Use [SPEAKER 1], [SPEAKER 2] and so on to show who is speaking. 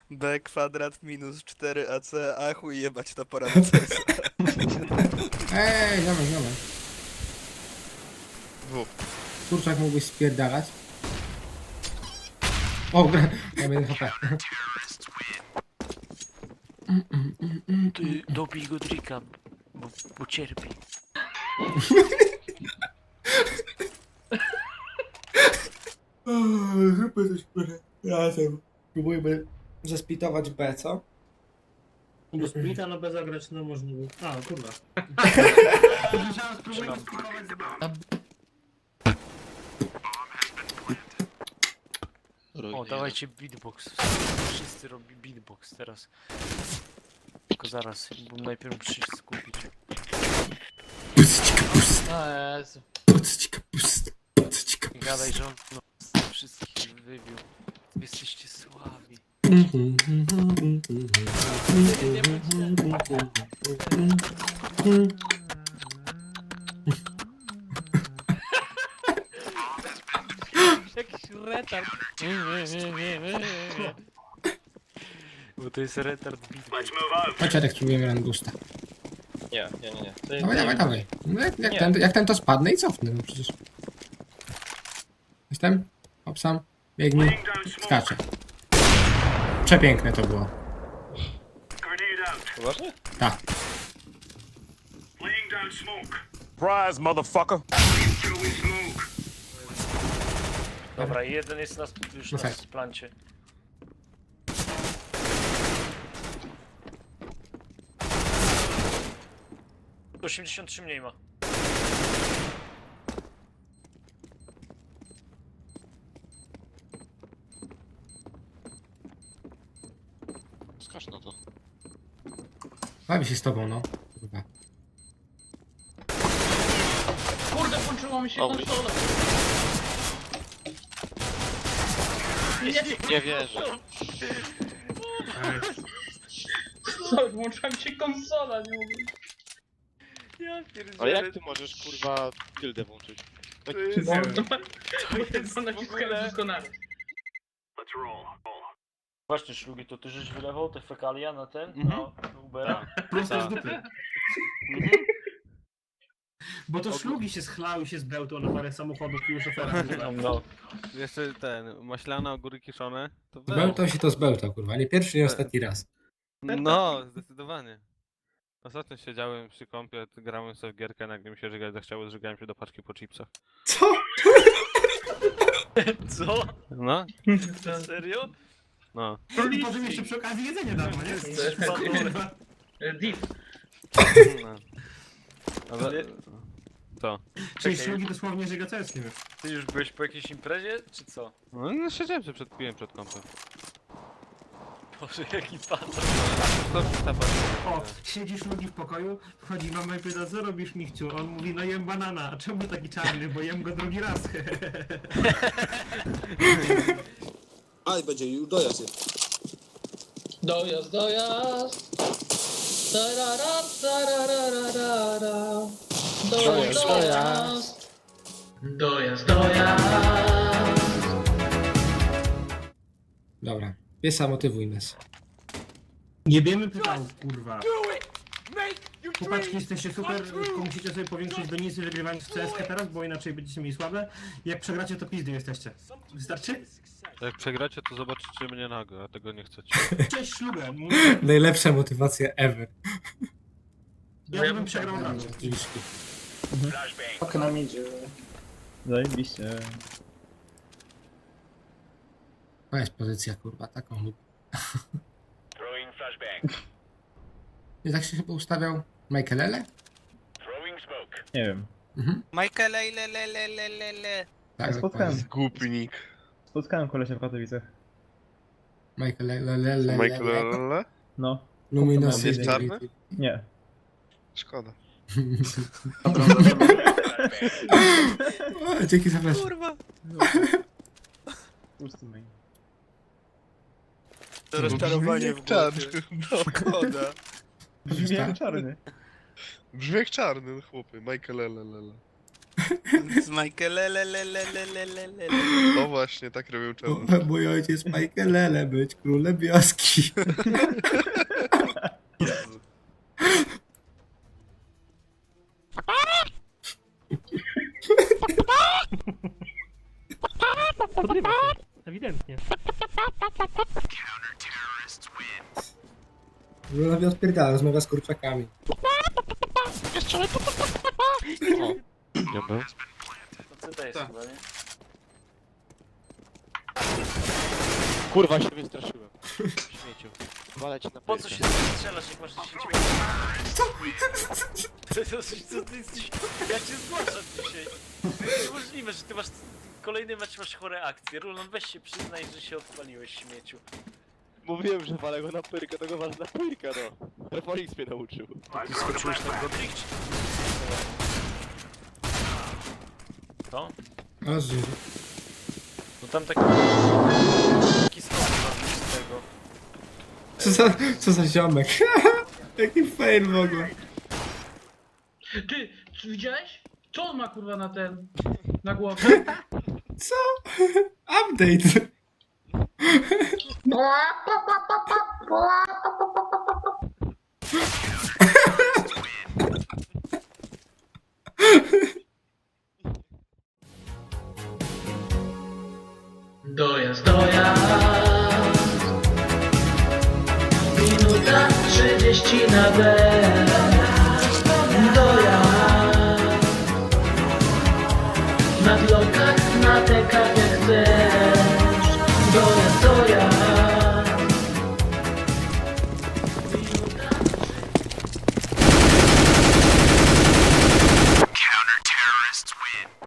[SPEAKER 1] B kwadrat minus 4ac, a chuj jebać to pora na CS.
[SPEAKER 2] Ziomek.
[SPEAKER 1] W.
[SPEAKER 2] Kurczak mógłbyś spierdalać. O, gra. Ja będę HP.
[SPEAKER 3] Ty dobij go Drika, bo cierpi.
[SPEAKER 2] Zróbmy coś razem. Próbujmy zespitować B, co?
[SPEAKER 4] Do splita na B zagrać no możliwe. A, kurwa.
[SPEAKER 3] Trzymam. O, dawajcie beatbox. Wszyscy robi beatbox teraz. Tylko zaraz, bo najpierw muszę się skupić.
[SPEAKER 2] Puścika pust,
[SPEAKER 3] O Jezu.
[SPEAKER 2] puścika pust, puścika
[SPEAKER 3] Nie gadaj, że on no, wszystkich wybił. Wy jesteście słabi. Jakiś retard. Bo to jest retard beatbox.
[SPEAKER 2] Chodź, Arek, spróbujemy Rangusta.
[SPEAKER 5] Nie.
[SPEAKER 2] Dawaj. No jak ten to spadnę i cofnę, no przecież. Jestem? Hop sam. Biegnij. Skaczę. Przepiękne to było.
[SPEAKER 5] Poważnie?
[SPEAKER 2] Tak.
[SPEAKER 6] Surprise, motherfucker.
[SPEAKER 3] Dobra, jeden jest już na
[SPEAKER 2] tak.
[SPEAKER 3] splancie. To 83 mniej ma.
[SPEAKER 5] Skacz na to.
[SPEAKER 2] Bawi się z tobą, no. Kurwa.
[SPEAKER 7] Kurde, włączyło mi się
[SPEAKER 5] Dobry.
[SPEAKER 7] konsola.
[SPEAKER 5] Nie wierzę.
[SPEAKER 7] Co, włączyła mi się konsola, nie mówię.
[SPEAKER 3] Ja
[SPEAKER 5] Ale jak ty możesz kurwa gildę włączyć? Tak,
[SPEAKER 7] Bo to
[SPEAKER 3] jest
[SPEAKER 7] to
[SPEAKER 3] w
[SPEAKER 7] naciskałem
[SPEAKER 3] ogóle-
[SPEAKER 7] doskonale.
[SPEAKER 3] Właśnie, Szlugi, to ty żeś wylewał te fekalia na ten?
[SPEAKER 4] Mhm.
[SPEAKER 3] Na Ubera?
[SPEAKER 4] Prosto z
[SPEAKER 5] Tak.
[SPEAKER 4] dupy.
[SPEAKER 3] Mhm.
[SPEAKER 4] Bo to szlugi się schlały się z bełtą na parę samochodów i już ofera.
[SPEAKER 3] No.
[SPEAKER 8] Jeszcze ten, maślane ogóry kiszone, to
[SPEAKER 2] Zbełtał się to zbełtał, kurwa. Nie pierwszy, nie ostatni raz.
[SPEAKER 8] No, zdecydowanie. Ostatnio siedziałem przy kąpie, grałem sobie w gierkę, nagle mi się żygać zachciało, zżygałem się do paczki po chipsach.
[SPEAKER 2] Co?
[SPEAKER 3] Co?
[SPEAKER 8] No,
[SPEAKER 3] Serio?
[SPEAKER 8] no.
[SPEAKER 4] I potem jeszcze przy okazji jedzenie darmo, nie? Kurwa.
[SPEAKER 7] Div.
[SPEAKER 8] no. Ale... Co?
[SPEAKER 4] Czyli
[SPEAKER 3] Czekaj.
[SPEAKER 4] szlugi dosłownie żyga ceskiem już.
[SPEAKER 3] Ty już byłeś po jakiejś imprezie, czy co?
[SPEAKER 8] No, siedziałem sobie piłem przed kąpem.
[SPEAKER 3] Boże, jaki patrz.
[SPEAKER 8] To ta
[SPEAKER 4] O, siedzi szlugi w pokoju, wchodzi mama i pyta, co robisz, Michciu? On mówi, no jem banana. A czemu taki czarny? Bo jem go drugi raz.
[SPEAKER 9] A i będzie już dojazd jest.
[SPEAKER 7] Dojazd. Tarara, tarararara. Dojazd.
[SPEAKER 2] Dobra. Piesa, motywuj nas.
[SPEAKER 4] Nie wiemy pytał, kurwa. Chłopaki, jesteście super, tylko musicie sobie powiększyć donisy wygrywając w CS teraz, bo inaczej będziecie mieli słabe. Jak przegracie, to pizdy jesteście. Wystarczy?
[SPEAKER 8] Jak przegracie, to zobaczycie mnie nago, a tego nie chcecie.
[SPEAKER 4] Cześć ślubę.
[SPEAKER 2] Najlepsza motywacja ever.
[SPEAKER 4] Ja bym przegrał od razu.
[SPEAKER 2] Dziwiszki.
[SPEAKER 7] Okno nam idzie.
[SPEAKER 10] Zajebiście.
[SPEAKER 2] To jest pozycja, kurwa, taką lubię. I tak się chyba ustawiał Michaelele?
[SPEAKER 10] Nie wiem.
[SPEAKER 2] Mhm.
[SPEAKER 1] Michael, le.
[SPEAKER 2] Tak,
[SPEAKER 10] Spotkałem.
[SPEAKER 2] dokładnie.
[SPEAKER 1] Głupnik.
[SPEAKER 10] Spotkałem kolesia w Katowicach.
[SPEAKER 2] Michaelele.
[SPEAKER 10] No,
[SPEAKER 2] Luminosy.
[SPEAKER 1] Jest czarny?
[SPEAKER 10] nie.
[SPEAKER 1] Szkoda.
[SPEAKER 2] O, dzięki za flash.
[SPEAKER 10] Pusty main.
[SPEAKER 1] To rozczarowanie w głowie. No, szkoda.
[SPEAKER 10] Brzmi jak czarny.
[SPEAKER 1] Brzmi jak czarny, chłopy. Michael, Z Michaelelelelelelelele.
[SPEAKER 5] O właśnie, tak robił czemu.
[SPEAKER 2] Mój ojciec Michaelele być królem wioski.
[SPEAKER 1] Jezu.
[SPEAKER 3] Podrywa się, ewidentnie.
[SPEAKER 2] No na odpierdala, rozmawia z kurczakami.
[SPEAKER 5] Nie był.
[SPEAKER 3] No co to jest chyba, nie?
[SPEAKER 5] Kurwa się wystraszyłem. Śmieciu. Walę cię na
[SPEAKER 3] Po co
[SPEAKER 5] pyrkę.
[SPEAKER 3] się strzelasz, jak masz 10 minut? Co ty jesteś? Ja cię zgłaszam dzisiaj. To jest niemożliwe, że ty masz kolejny mecz, masz chore akcje. Rulon, weź się przyznaj, że się odpaliłeś, śmieciu.
[SPEAKER 5] Mówiłem, że walę go na pyrkę, to go walę na pyrkę, no. Refolix mnie nauczył.
[SPEAKER 3] Ty skoczyłeś na Godric, czy... To?
[SPEAKER 2] A żyje.
[SPEAKER 3] No tam taki skok z tego.
[SPEAKER 2] Co za ziomek. Jaki fail w ogóle.
[SPEAKER 7] Ty, czy widziałeś? Co on ma kurwa na ten... na głowie?
[SPEAKER 2] Co? Update.
[SPEAKER 7] Dojazd, dojazd. Minuta 30 na B. Dojazd. Na blokach, na TK